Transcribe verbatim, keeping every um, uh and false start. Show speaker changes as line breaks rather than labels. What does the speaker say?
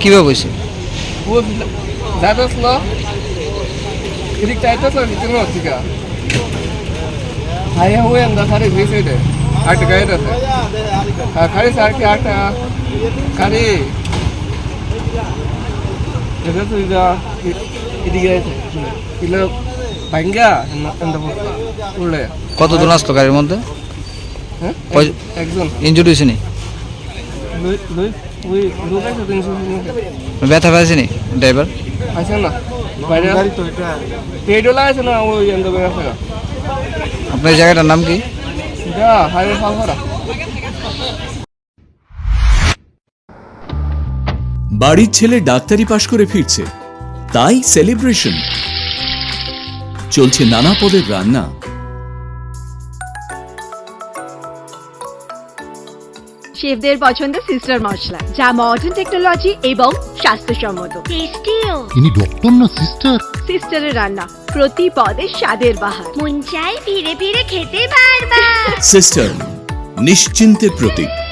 কিভাবে হয়েছে?
ও যাইতেছিল এদিক চাইতেছিল ভিতরে হচ্ছে গা হাই হয়ে আমরা সারি ভেসে দে আট গায়ে আছে হ্যাঁ খালি স্যার কি আট খালি এটা তো যা এদিকে আছে কিলো ভাঙ্গা এন্ড উড়লে
কতজন আসলো গাড়ির মধ্যে?
হ্যাঁ
কয়-
একজন
ইনজুরি হয়েছে নি?
লই লই ওই লোকাইছে তিনশো
ব্যথা পেয়েছে নি ড্রাইভার?
আছে না বাইরে পেডোলা আছে না ওই এন্ড আছে
আপনার এই জায়গাটার নাম কি?
এটা হাইওয়ে ফালফারা
বাড়ির ছেলে ডাক্তারি পাশ করে ফিরছে, তাই সেলিব্রেশন চলছে। নানা পদের রান্না,
শেফদের পছন্দ সিস্টার মশলা, যা মডার্ন টেকনোলজি এবং স্বাস্থ্যসম্মত।
টেস্টিও।
ইনি ডক্টর না সিস্টার?
সিস্টারের রান্না প্রতি পদে স্বাদের বাহার।
মন চাই ফিরে ফিরে খেতে পারবা।
সিস্টার নিশ্চিন্তের প্রতীক।